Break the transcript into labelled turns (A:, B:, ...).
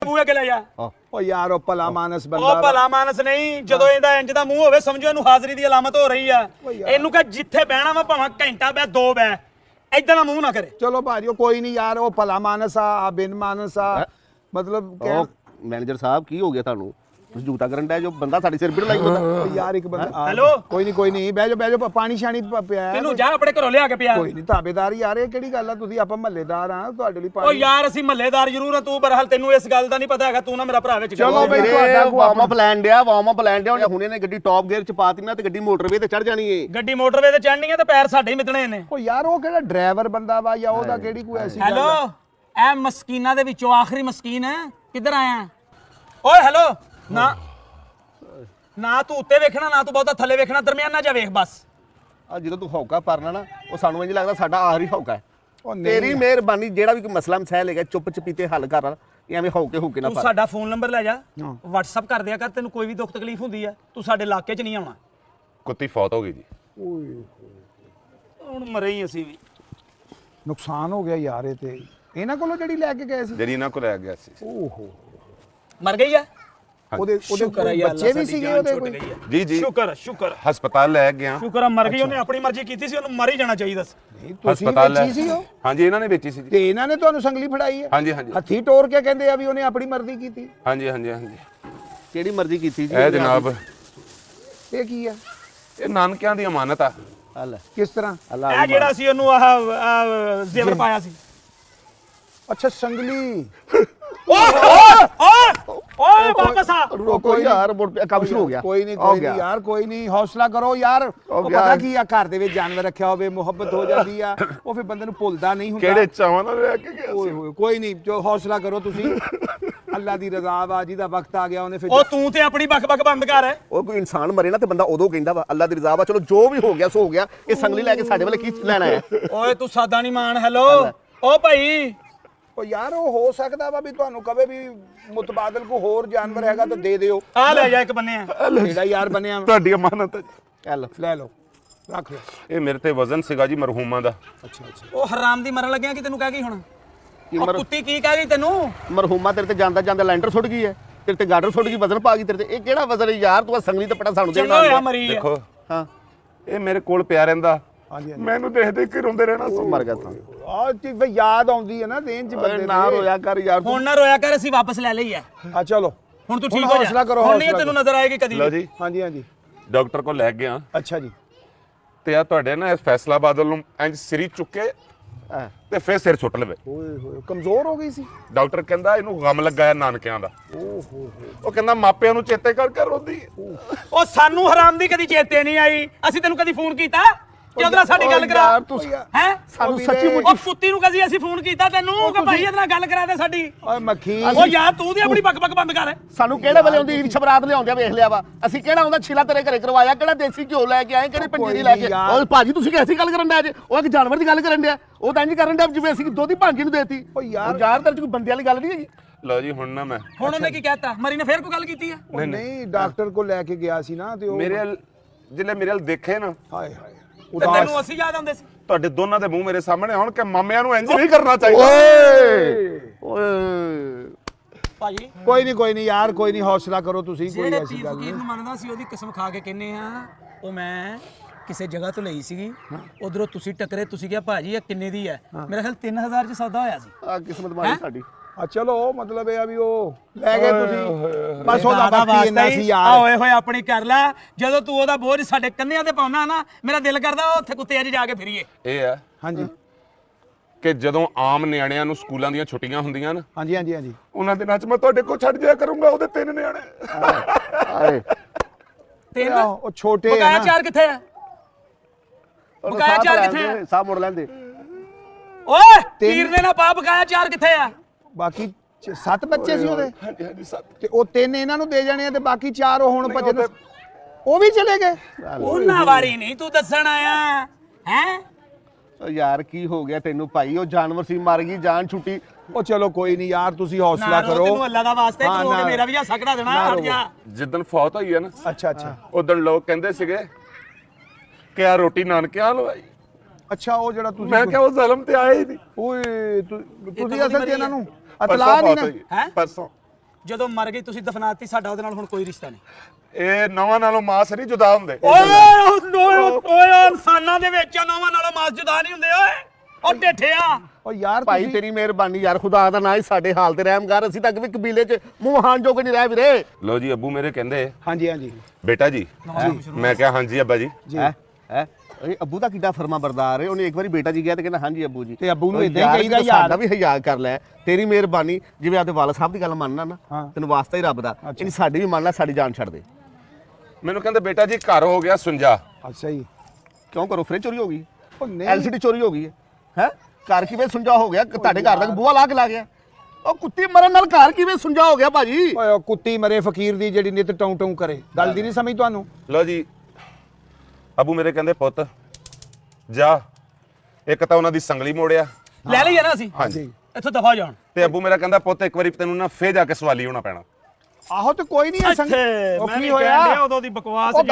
A: ਬੂਹੇ ਕੇ ਲੈ ਜਾ।
B: ਓ ਯਾਰ ਉਹ ਭਲਾ ਮਾਨਸ ਬੰਦਾ
A: ਉਹ ਭਲਾ ਮਾਨਸ ਨਹੀਂ, ਜਦੋਂ ਇਹਦਾ ਇੰਜ ਦਾ ਮੂੰਹ ਹੋਵੇ ਸਮਝੋ ਇਹਨੂੰ ਹਾਜ਼ਰੀ ਦੀ ਅਲਾਮਤ ਹੋ ਰਹੀ ਆ। ਇਹਨੂੰ ਕਹ ਜਿੱਥੇ ਬਹਿਣਾ ਵਾ ਭਾਵੇਂ ਘੰਟਾ ਬਹਿ 2 ਬਹਿ, ਏਦਾਂ ਦਾ ਮੂੰਹ ਨਾ ਕਰੇ।
B: ਚਲੋ ਭਾਜੀ ਉਹ ਕੋਈ ਨਹੀਂ ਯਾਰ, ਉਹ ਭਲਾ ਮਾਨਸ ਆ ਬਿਨ ਮਾਨਸ ਆ, ਮਤਲਬ
C: ਮੈਨੇਜਰ ਸਾਹਿਬ ਕੀ ਹੋ ਗਿਆ ਤੁਹਾਨੂੰ? ਤੁਸੀਂ ਜੂਤਾ ਕਰਨ ਡਿਆ ਜੋ ਬੰਦਾ ਸਾਡੇ ਸਿਰ ਪਿੜ ਲਾਈ ਬੰਦਾ
B: ਯਾਰ ਇੱਕ ਬੰਦਾ।
A: ਹੈਲੋ
B: ਕੋਈ ਨਹੀਂ ਬਹਿ ਜਾ ਪਾਣੀ ਸ਼ਾਣੀ ਪਿਆ
A: ਤੈਨੂੰ ਜਾ ਆਪਣੇ ਘਰੋਂ ਲਿਆ ਕੇ ਪਿਆ।
B: ਕੋਈ ਨਹੀਂ ਤਾਬੇਦਾਰ ਯਾਰ, ਇਹ ਕਿਹੜੀ ਗੱਲ ਆ? ਤੁਸੀਂ ਆਪਾਂ ਮਹੱਲੇਦਾਰ ਆ, ਤੁਹਾਡੇ ਲਈ
A: ਉਹ
B: ਪਾਣੀ।
A: ਯਾਰ ਅਸੀਂ ਮਹੱਲੇਦਾਰ ਜ਼ਰੂਰ ਆ, ਤੂੰ ਬਰਹਾਲ ਤੈਨੂੰ ਇਸ ਗੱਲ ਦਾ ਨਹੀਂ ਪਤਾ ਹੈਗਾ, ਤੂੰ ਨਾ ਮੇਰਾ ਭਰਾ ਵਿੱਚ
B: ਚਲੋ ਬਈ
C: ਵਾਰਮ ਅਪ ਲੈਣ ਡਿਆ ਹੁਣੇ ਨੇ ਗੱਡੀ ਟੌਪ ਗੇਅਰ ਚ ਪਾਤੀ ਨਾ ਤੇ ਗੱਡੀ ਮੋਟਰਵੇ ਤੇ ਚੜ ਜਾਣੀ ਏ।
A: ਗੱਡੀ ਮੋਟਰਵੇ ਤੇ ਚੜਨੀ ਹੈ ਤੇ ਪੈਰ ਸਾਡੇ ਹੀ ਮਿੱਤਣੇ ਨੇ।
B: ਉਹ ਯਾਰ ਉਹ ਕਿਹੜਾ ਡਰਾਈਵਰ ਬੰਦਾ ਵਾ ਜਾਂ ਉਹਦਾ ਕਿਹੜੀ ਕੋਈ ਐਸੀ ਗੱਲ?
A: ਹੈਲੋ ਇਹ ਮਸਕੀਨਾਂ ਦੇ ਵਿੱਚੋਂ ਆਖਰੀ ਮਸਕੀਨ ਹੈ, ਕਿੱਧਰ ਆਇਆ? ਓਏ ਹੈਲੋ ਨਾ ਤੂੰ ਉੱਤੇ ਵੇਖਣਾ ਨਾ ਤੂੰ ਬਹੁਤਾ ਥੱਲੇ ਵੇਖਣਾ, ਦਰਮਿਆਨਾ ਜਾ ਵੇਖ ਬਸ।
C: ਆ ਜਦੋਂ ਤੂੰ ਹੌਕਾ ਪਰਨਾ ਨਾ ਉਹ ਸਾਨੂੰ ਇੰਜ ਲੱਗਦਾ ਸਾਡਾ ਆਖਰੀ ਹੌਕਾ ਹੈ।
B: ਉਹ
C: ਤੇਰੀ ਮਿਹਰਬਾਨੀ, ਜਿਹੜਾ ਵੀ ਕੋਈ ਮਸਲਾ ਮਸੈਲ ਹੈਗਾ ਚੁੱਪ ਚਪੀਤੇ ਹੱਲ ਕਰ, ਐਵੇਂ ਹੌਕੇ ਨਾ
A: ਤੂੰ
C: ਪਾ।
A: ਸਾਡਾ ਫੋਨ ਨੰਬਰ ਲੈ ਜਾ, WhatsApp ਕਰ ਦਿਆ ਕਰ, ਤੈਨੂੰ ਕੋਈ ਵੀ ਦੁੱਖ ਤਕਲੀਫ ਹੁੰਦੀ ਆ ਤੂੰ ਸਾਡੇ ਇਲਾਕੇ 'ਚ ਨਹੀਂ ਆਉਣਾ।
D: ਕੁੱਤੀ ਫੌਤ ਹੋ ਗਈ ਜੀ।
A: ਹੁਣ ਮਰੇ ਹੀ ਅਸੀਂ ਵੀ।
B: ਨੁਕਸਾਨ ਹੋ ਗਿਆ ਯਾਰ ਇਹ ਤੇ। ਇਹਨਾਂ ਕੋਲੋਂ ਜਿਹੜੀ ਲੈ ਕੇ ਗਏ ਸੀ,
D: ਜਿਹੜੀ ਇਹਨਾਂ ਕੋਲ ਲੈ ਗਿਆ ਸੀ।
B: ਓਹੋ
A: ਮਰ ਗਈ ਆ।
B: ਉਹਦੇ
A: ਸ਼ੁਕਰ ਹੈ ਯਾਰ,
B: ਬੱਚੇ ਵੀ ਸੀਗੇ ਉਹਦੇ ਕੋਈ?
D: ਜੀ ਜੀ
A: ਸ਼ੁਕਰ
D: ਹਸਪਤਾਲ ਲੈ ਗਿਆ।
A: ਸ਼ੁਕਰ ਆ ਮਰ ਗਈ, ਉਹਨੇ ਆਪਣੀ ਮਰਜ਼ੀ ਕੀਤੀ ਸੀ, ਉਹਨੂੰ ਮਰ ਹੀ ਜਾਣਾ ਚਾਹੀਦਾ ਸੀ।
B: ਨਹੀਂ ਤੁਸੀਂ
D: ਹਸਪਤਾਲ
B: ਵੇਚੀ ਸੀ ਉਹ?
D: ਹਾਂਜੀ ਇਹਨਾਂ ਨੇ ਵੇਚੀ ਸੀ ਜੀ।
B: ਤੇ ਇਹਨਾਂ ਨੇ ਤੁਹਾਨੂੰ ਸੰਗਲੀ ਫੜਾਈ ਹੈ?
D: ਹਾਂਜੀ ਹਾਂਜੀ
B: ਹੱਥੀ ਟੋਰ ਕੇ ਕਹਿੰਦੇ ਆ ਵੀ ਉਹਨੇ ਆਪਣੀ ਮਰਜ਼ੀ ਕੀਤੀ।
D: ਹਾਂਜੀ ਹਾਂਜੀ ਹਾਂਜੀ
C: ਕਿਹੜੀ ਮਰਜ਼ੀ ਕੀਤੀ ਜੀ?
D: ਇਹ ਜਨਾਬ
B: ਇਹ ਕੀ ਆ?
D: ਇਹ ਨਾਨਕਿਆਂ ਦੀ ਅਮਾਨਤ ਆ।
C: ਹੱਲ
B: ਕਿਸ ਤਰ੍ਹਾਂ?
A: ਇਹ ਜਿਹੜਾ ਸੀ ਉਹਨੂੰ ਆਹ ਜ਼ੇਵਰ ਪਾਇਆ ਸੀ।
B: ਅੱਛਾ ਸੰਗਲੀ।
A: ਓਏ ਵਾਪਸ ਆ।
C: ਰੋਕੋ ਯਾਰ, ਕੰਮ ਸ਼ੁਰੂ ਹੋ ਗਿਆ।
B: ਕੋਈ ਨਹੀਂ ਯਾਰ, ਕੋਈ ਨਹੀਂ, ਹੌਸਲਾ ਕਰੋ ਯਾਰ। ਉਹ ਪਤਾ ਕੀ ਆ, ਘਰ ਦੇ ਵਿੱਚ ਜਾਨਵਰ ਰੱਖਿਆ ਹੋਵੇ ਮੁਹੱਬਤ ਹੋ ਜਾਂਦੀ ਆ, ਉਹ ਫਿਰ ਬੰਦੇ ਨੂੰ ਭੁੱਲਦਾ ਨਹੀਂ ਹੁੰਦਾ।
D: ਕਿਹੜੇ ਚਾਵਾਂ ਨਾਲ ਲੈ ਕੇ ਗਿਆ
B: ਓਏ ਹੋਏ ਕੋਈ ਨਹੀਂ, ਜੋ ਹੌਸਲਾ ਕਰੋ ਤੁਸੀਂ। ਅੱਲਾ ਦੀ ਰਜ਼ਾ ਵਾ, ਜਿਹਦਾ ਵਕਤ ਆ ਗਿਆ ਉਹਨੇ ਫਿਰ।
A: ਉਹ ਤੂੰ ਤੇ ਆਪਣੀ ਬਕ ਬੰਦ ਕਰ।
C: ਉਹ ਕੋਈ ਇਨਸਾਨ ਮਰੇ ਨਾ ਤੇ ਬੰਦਾ ਉਦੋਂ ਕਹਿੰਦਾ ਵਾ ਅੱਲਾ ਦੀ ਰਜ਼ਾ ਵਾ, ਚਲੋ ਜੋ ਵੀ ਹੋ ਗਿਆ ਸੋ ਹੋ ਗਿਆ। ਇਹ ਸੰਗਲੀ ਲੈ ਕੇ ਸਾਡੇ ਵੱਲ ਕੀ ਲੈਣਾ ਹੈ?
A: ਓਏ ਤੂੰ ਸਾਦਾ ਨਹੀਂ ਮਾਨ। ਹੈਲੋ ਓ ਭਾਈ,
B: ਉਹ ਯਾਰ ਉਹ ਹੋ ਸਕਦਾ ਵਾ ਵੀ ਤੁਹਾਨੂੰ ਕਵੇ ਵੀ ਮੁਤਬਾਦਲ ਕੋ ਹੋਰ ਜਾਨਵਰ ਹੈਗਾ ਤਾਂ ਦੇ ਦਿਓ।
A: ਆ ਲੈ ਜਾ ਇੱਕ ਬੰਨੇ ਆ।
B: ਜਿਹੜਾ ਯਾਰ ਬਣਿਆ
D: ਤੁਹਾਡੀ ਅਮਾਨਤ ਹੈ ਜੀ।
B: ਲੈ ਲਓ, ਰੱਖ ਲਓ।
D: ਇਹ ਮੇਰੇ ਤੇ ਵਜ਼ਨ ਸੀਗਾ ਜੀ ਮਰਹੂਮਾਂ ਦਾ।
B: ਅੱਛਾ
A: ਉਹ ਹਰਾਮ ਦੀ ਮਰਨ ਲੱਗਿਆ ਕਿ ਤੈਨੂੰ ਕਹਿ ਗਈ ਹੁਣ? ਉਹ ਕੁੱਤੀ ਕੀ ਕਹਿ ਗਈ ਤੈਨੂੰ?
C: ਮਰਹੂਮਾ ਤੇਰੇ ਤੇ ਜਾਂਦਾ ਜਾਂਦਾ ਲੈਂਟਰ ਸੁੱਟ ਗਈ ਹੈ, ਤੇਰੇ ਤੇ ਗਾਰਡਰ ਸੁੱਟ ਗਈ, ਵਜ਼ਨ ਪਾ ਗਈ ਤੇਰੇ ਤੇ। ਇਹ ਕਿਹੜਾ ਵਜ਼ਨ ਹੈ ਯਾਰ? ਤੂੰ ਸੰਗਲੀ ਤੇ ਪਟਾ ਸਾਨੂੰ
A: ਚੰਗਾ ਹੋਇਆ
C: ਦੇਣਾ।
A: ਮਰੀ ਆ।
D: ਦੇਖੋ
C: ਹਾਂ
D: ਇਹ ਮੇਰੇ ਕੋਲ ਪਿਆ ਰਹਿੰਦਾ,
B: ਹਾਂਜੀ
D: ਮੈਨੂੰ ਦੇਖ ਦੇਖ ਕੇ ਰੋਂਦੇ ਰਹਿਣਾ ਸੀ।
C: ਮਰ ਗਿਆ ਤਾਂ।
B: ਆ ਚੀਜ਼ ਵੀ ਯਾਦ ਆਉਂਦੀ ਹੈ ਨਾ ਦੇਨ ਚ ਬੰਦੇ
C: ਨਾ ਰੋਇਆ ਕਰ ਯਾਰ।
A: ਹੁਣ ਨਾ ਰੋਇਆ ਕਰ, ਅਸੀਂ ਵਾਪਸ ਲੈ ਲਈ ਆ।
B: ਆ ਚਲੋ
A: ਹੁਣ ਤੂੰ ਠੀਕ
B: ਹੁਣ
A: ਹੋ ਜਾ।
B: ਹੌਸਲਾ ਕਰੋ,
A: ਹੁਣ ਨਹੀਂ
B: ਹੌਸਲਾ
A: ਤੈਨੂੰ ਨਜ਼ਰ ਆਏਗੀ ਕਦੀ
D: ਲਓ
A: ਵੀ।
D: ਜੀ
B: ਹਾਂਜੀ ਹਾਂਜੀ
D: ਡਾਕਟਰ ਕੋਲ ਲੈ ਗਿਆ
B: ਅੱਛਾ ਜੀ।
D: ਤੇ ਆ ਤੁਹਾਡੇ ਨਾ ਇਸ ਫੈਸਲਾਬਾਦ ਨੂੰ ਇੰਜ ਸਿਰੀ ਚੁੱਕੇ ਤੇ ਫਿਰ ਸਿਰ ਸੁੱਟ ਲਵੇ।
B: ਓਏ ਹੋਏ ਕਮਜ਼ੋਰ ਹੋ ਗਈ ਸੀ।
D: ਡਾਕਟਰ ਕਹਿੰਦਾ ਇਹਨੂੰ ਗਮ ਲੱਗਾ ਹੈ ਨਾਨਕਿਆਂ ਦਾ। ਉਹ ਕਹਿੰਦਾ ਮਾਪਿਆਂ ਨੂੰ ਚੇਤੇ ਕਰ ਕਰ ਰੋਂਦੀ ਹੈ।
A: ਉਹ ਸਾਨੂੰ ਹਰਾਮ ਦੀ ਕਦੀ ਚੇਤੇ ਨਹੀਂ ਆਈ। ਅਸੀਂ ਤੈਨੂੰ ਕਦੀ ਫੋਨ ਕੀਤਾ ਕਿ ਉਹਦੇ ਨਾਲ ਸਾਡੀ ਗੱਲ ਕਰਾ?
C: ਯਾਰ ਤੂੰ
A: ਹੈ
C: ਸਾਨੂੰ ਸੱਚੀ
A: ਉਹ
C: ਮੁੱਚੀ
A: ਕੁੱਤੀ ਨੂੰ ਕਦੀ ਅਸੀਂ ਫੋਨ ਕੀਤਾ ਤੈਨੂੰ ਕਿ ਭਾਈ ਇਹਦੇ ਨਾਲ ਗੱਲ ਕਰਾ ਦੇ ਸਾਡੀ?
B: ਓਏ ਮੱਖੀ।
A: ਉਹ ਯਾਰ ਤੂੰ ਦੀ ਆਪਣੀ ਬਕ ਬੰਦ ਕਰ।
C: ਸਾਨੂੰ ਕਿਹੜੇ ਵੇਲੇ ਆਉਂਦੀ ਸ਼ਬਰਾਤ ਲਿਆਉਂਦੇ ਵੇਖ ਲਿਆ ਵਾ ਅਸੀਂ। ਕਿਹੜਾ ਆਉਂਦਾ ਛਿਲਾ ਤੇਰੇ ਘਰੇ ਕਰਵਾਇਆ, ਕਿਹੜਾ ਦੇਸੀ ਘਿਓ ਲੈ ਕੇ ਆਏ, ਕਿਹੜੇ ਪੰਜੀਰੀ ਲੈ ਕੇ? ਉਹ ਭਾਜੀ ਤੁਸੀਂ ਕਿਹਦੀ ਗੱਲ ਕਰਨ ਡਿਆ ਜੇ? ਉਹ ਇੱਕ ਜਾਨਵਰ ਦੀ ਗੱਲ ਕਰਨ ਡਿਆ। ਉਹ ਤਾਂ ਇੰਜ ਕਰਨ ਡਿਆ ਜਿਵੇਂ ਅਸੀਂ ਦੁੱਧ ਦੀ ਭਾਂਜੀ ਨੂੰ ਦੇਤੀ।
B: ਓ ਯਾਰ
C: ਤੇਰੇ ਚ ਕੋਈ ਬੰਦੇ ਵਾਲੀ ਗੱਲ ਨਹੀਂ ਹੈਗੀ।
D: ਲਓ ਜੀ ਹੁਣ ਨਾ ਮੈਂ
A: ਹੁਣ ਉਹਨੇ ਕੀ ਕਹਿਤਾ? ਮਰੀ ਨੇ ਫੇਰ ਕੋਈ ਗੱਲ ਕੀਤੀ ਆ?
B: ਨਹੀਂ ਡਾਕਟਰ ਕੋਲ ਲੈ ਕੇ ਗਿਆ ਸੀ ਨਾ ਤੇ ਉਹ
D: ਜਿਹੜੇ ਮੇਰੇ ਵੱਲ ਦੇਖੇ ਨਾ,
B: ਹਾਏ ਹਾਏ
A: ਤੇ ਤੈਨੂੰ ਅਸੀਂ ਯਾਦ ਆਉਂਦੇ ਸੀ?
D: ਤੁਹਾਡੇ ਦੋਨਾਂ ਦੇ ਮੂੰਹ ਮੇਰੇ ਸਾਹਮਣੇ ਹੁਣ ਕਿ ਮਾਮਿਆਂ ਨੂੰ ਇੰਜ ਨਹੀਂ ਕਰਨਾ ਚਾਹੀਦਾ।
C: ਓਏ
A: ਭਾਈ
B: ਕੋਈ ਨਹੀਂ ਯਾਰ, ਕੋਈ ਨਹੀਂ, ਹੌਸਲਾ ਕਰੋ ਤੁਸੀਂ। ਕੋਈ
A: ਜਿਹੜੇ
B: ਐਸੀ
A: ਪੀਰ
B: ਗੱਲ
A: ਫਕੀਰ
B: ਨਹੀਂ।
A: ਨੂੰ ਮੰਨਦਾ ਸੀ ਉਹਦੀ ਕਸਮ ਖਾ ਕੇ ਕਹਿੰਨੇ ਆ, ਉਹ ਮੈਂ ਕਿਸੇ ਜਗ੍ਹਾ ਤੋਂ ਲਈ ਸੀਗੀ, ਉਧਰੋਂ ਤੁਸੀਂ ਟੱਕਰੇ, ਤੁਸੀਂ ਕਿਹਾ ਭਾਜੀ ਇਹ ਕਿੰਨੇ ਦੀ ਹੈ? ਮੇਰਾ ਖਿਆਲ 3000 ਚ ਸੌਦਾ ਹੋਇਆ ਸੀ।
C: ਆ ਕਿਸਮਤ ਮਾਰੀ ਸਾਡੀ।
B: ਆ ਚਲੋ ਮਤਲਬ ਇਹ ਆ ਵੀ ਉਹ ਲੈ ਗਏ ਤੁਸੀਂ, ਬਸ ਉਹਦਾ ਬਾਕੀ ਇੰਨਾ ਸੀ
A: ਆ
B: ਯਾਰ।
A: ਓਏ ਹੋਏ ਆਪਣੀ ਕਰ ਲੈ। ਜਦੋਂ ਤੂੰ ਉਹਦਾ ਬੋਝ ਸਾਡੇ ਕੰਨਿਆਂ ਤੇ ਪਾਉਣਾ ਨਾ, ਮੇਰਾ ਦਿਲ ਕਰਦਾ ਉੱਥੇ ਕੁੱਤੇ 'ਚ ਜਾ ਕੇ ਫਿਰੀਏ।
D: ਇਹ ਆ
B: ਹਾਂਜੀ
D: ਕਿ ਜਦੋਂ ਆਮ ਨਿਆਣਿਆਂ ਨੂੰ ਸਕੂਲਾਂ ਦੀਆਂ ਛੁੱਟੀਆਂ ਹੁੰਦੀਆਂ ਨਾ,
B: ਹਾਂਜੀ ਹਾਂਜੀ ਹਾਂਜੀ
D: ਉਹਨਾਂ ਦਿਨਾਂ 'ਚ ਮੈਂ ਤੁਹਾਡੇ ਕੋਲ ਛੱਡ ਜਾਇਆ ਕਰੂੰਗਾ ਉਹਦੇ 3 ਨਿਆਣੇ।
C: ਆਏ
A: ਤਿੰਨ
B: ਉਹ ਛੋਟੇ ਆ
A: ਬਕਾਇਆ
B: ਨਾ।
A: 4 ਕਿੱਥੇ ਆ? ਬਕਾਇਆ 4 ਕਿੱਥੇ ਆ?
C: ਸਾਹ ਮੋੜ ਲੈਂਦੇ।
A: ਓਏ ਪੀਰ ਨੇ ਨਾ ਪਾ, ਬਕਾਇਆ 4 ਕਿੱਥੇ ਆ?
B: ਬਾਕੀ 7 ਬੱਚੇ ਸੀ ਉਹਦੇ
D: ਹਾਂਜੀ ਹਾਂਜੀ ਸੱਤ।
B: ਤੇ ਉਹ 3 ਇਹਨਾਂ ਨੂੰ ਦੇ ਜਾਣੇ ਆ ਤੇ ਬਾਕੀ 4 ਉਹ ਹੁਣ ਭਜਨ ਉਹ ਵੀ ਚਲੇ ਗਏ।
A: ਉਹਨਾਂ ਵਾਰੀ ਨਹੀਂ ਤੂੰ ਦੱਸਣ ਆਇਆ ਹੈ?
C: ਓ ਯਾਰ ਕੀ ਹੋ ਗਿਆ ਤੈਨੂੰ ਭਾਈ? ਉਹ ਜਾਨਵਰ ਸੀ, ਮਰ ਗਈ, ਜਾਨ ਛੁੱਟੀ।
B: ਉਹ ਚਲੋ ਕੋਈ ਨਹੀਂ ਯਾਰ, ਤੁਸੀਂ ਹੌਸਲਾ ਕਰੋ।
A: ਤੈਨੂੰ ਅੱਲਾ ਦਾ ਵਾਸਤੇ
B: ਹਾਂ,
A: ਤੂੰ
B: ਨਾ।
A: ਮੇਰਾ ਵੀ ਹੱਸਾ ਕਢਾ ਦੇਣਾ। ਹਟ ਜਾ।
D: ਜਿੱਦਣ ਫੌਤ ਹੋਈ ਹੈ ਨਾ,
B: ਅੱਛਾ
D: ਉਦੋਂ ਲੋਕ ਕਹਿੰਦੇ ਸੀਗੇ ਕਿ ਆ ਰੋਟੀ ਨਾਨਕਿਆਂ ਲਵਾਈ।
B: ਅੱਛਾ ਉਹ ਜਿਹੜਾ ਤੁਸੀਂ
D: ਮੈਂ ਕਿਹਾ ਉਹ ਜ਼ਲਮ ਤੇ ਆਇਆ ਹੀ ਨਹੀਂ।
B: ਓਏ ਤੁਸੀਂ
A: ਕਦੋਂ ਦੀ
B: ਅਸਲ 'ਚ
A: ਮਰੀ
B: ਇਹਨਾਂ
A: ਹੈ?
B: ਨੂੰ ਇਤਲਾਹ ਨਹੀਂ ਨਾ।
A: ਹੈਂ?
D: ਪਰਸੋਂ
A: ਜਦੋਂ ਮਰ ਗਈ ਤੁਸੀਂ ਦਫਨਾਤੀ, ਸਾਡਾ ਉਹਦੇ ਨਾਲ ਹੁਣ ਕੋਈ ਰਿਸ਼ਤਾ ਨਹੀਂ।
D: ਇਹ ਨਵਾਂ ਨਾਲੋਂ ਮਾਸ ਨਹੀਂ ਜੁਦਾ ਹੁੰਦੇ।
A: ਓਏ ਇਨਸਾਨਾਂ ਦੇ ਵਿੱਚ ਨੌਵਾਂ ਨਾਲੋਂ ਮਾਸ ਜੁਦਾ ਨਹੀਂ ਹੁੰਦੇ ਓਏ, ਉਹ ਢੇਠਿਆ।
B: ਓ ਯਾਰ
C: ਭਾਈ
B: ਤੁਸੀਂ-
C: ਤੇਰੀ ਮਿਹਰਬਾਨੀ ਯਾਰ, ਖੁਦਾ ਦਾ ਨਾਂ ਹੀ ਸਾਡੇ ਹਾਲ ਤੇ ਰਹਿਮ ਕਰ। ਅਸੀਂ ਤੱਕ ਵੀ ਕਬੀਲੇ 'ਚ ਮੂੰਹ ਹਾਨ ਜੋਗੇ ਨਹੀਂ ਰਹਿ ਵੀਰੇ।
D: ਲੋ ਜੀ ਅੱਬੂ ਮੇਰੇ ਕਹਿੰਦੇ
B: ਹਾਂਜੀ ਹਾਂਜੀ
D: ਬੇਟਾ ਜੀ, ਮੈਂ ਕਿਹਾ ਹਾਂਜੀ ਅੱਬਾ ਜੀ।
C: ਹੈ ਇਹ ਅੱਬੂ ਦਾ ਕਿੱਡਾ ਫਰਮਾ ਬਰਦਾਰ ਹੈ। ਉਹਨੇ ਇੱਕ ਵਾਰੀ ਬੇਟਾ ਜੀ ਗਿਆ ਤੇ ਕਹਿੰਦਾ ਹਾਂਜੀ ਅੱਬੂ ਜੀ।
B: ਤੇ ਅੱਬੂ ਨੂੰ
C: ਓਏ
B: ਏਦਾਂ ਹੀ ਕਹੀਦਾ ਯਾਰ।
C: ਸਾਡਾ ਵੀ ਹਿਆ ਕਰ ਲੈ, ਤੇਰੀ ਮਿਹਰਬਾਨੀ। ਜਿਵੇਂ ਆਪਦੇ ਵਾਲਾ ਸਾਹਿਬ ਦੀ ਗੱਲ ਮੰਨਣਾ ਨਾ, ਤੈਨੂੰ ਵਾਸਤਾ ਹੀ ਰੱਬ ਦਾ, ਇਹਨੀ ਸਾਡੀ ਵੀ ਮੰਨ ਲੈ, ਸਾਡੀ ਜਾਨ ਛੱਡ ਦੇ।
D: ਮੈਨੂੰ ਕਹਿੰਦੇ ਬੇਟਾ ਜੀ ਘਰ ਹੋ ਗਿਆ ਸੁੰਜਾ।
B: ਅੱਛਾ ਜੀ।
C: ਕਿਉਂ ਕਰੋ, ਫ੍ਰਿਜ ਚੋਰੀ ਹੋ ਗਈ,
B: ਉਹ ਨਹੀਂ
C: ਐਲਸੀਡੀ ਚੋਰੀ ਹੋ ਗਈ ਹੈ। ਘਰ ਕਿਵੇਂ ਸੁੰਜਾ ਹੋ ਗਿਆ? ਤੁਹਾਡੇ ਘਰ ਦਾ ਬੂਹਾ ਲਾ ਕੇ ਲਾ ਗਿਆ। ਉਹ ਕੁੱਤੀ ਮਰਨ ਨਾਲ ਘਰ ਕਿਵੇਂ ਸੁੰਜਾ ਹੋ ਗਿਆ ਭਾਜੀ?
B: ਓਏ ਉਹ ਕੁੱਤੀ ਮਰੇ ਫਕੀਰ ਦੀ ਜਿਹੜੀ ਨਿਤ ਟੌਂ ਟੌਂ ਕਰੇ, ਗੱਲ ਦੀ ਨਹੀਂ ਸਮਝ ਤੁਹਾਨੂੰ?
D: ਲੋ ਜੀ ਅੱਬੂ ਮੇਰੇ ਕਹਿੰਦੇ ਪੁੱਤ ਜਾ, ਇੱਕ ਤਾਂ ਉਹਨਾਂ ਦੀ ਸੰਗਲੀ ਮੋੜਿਆ।
A: ਲੈ ਲਈ ਨਾ ਅਸੀਂ,
D: ਹਾਂਜੀ।
A: ਇੱਥੋਂ ਦਫਾ ਜਾਣ।
D: ਤੇ ਅੱਬੂ ਮੇਰਾ ਕਹਿੰਦਾ ਪੁੱਤ ਇੱਕ ਵਾਰੀ ਤੈਨੂੰ ਨਾ ਫੇਰ ਜਾ ਕੇ ਸਵਾਲੀ ਹੋਣਾ ਪੈਣਾ।
B: ਆਹੋ ਤੇ ਕੋਈ ਨਹੀਂ
A: ਇੱਥੇ
B: ਉਹ
A: ਮੈਂ
B: ਕੀ
A: ਵੀ
B: ਹੋਇਆ?
A: ਕਹਿਣ ਡਿਆ ਉਦੋਂ ਦੀ ਬਕਵਾਸ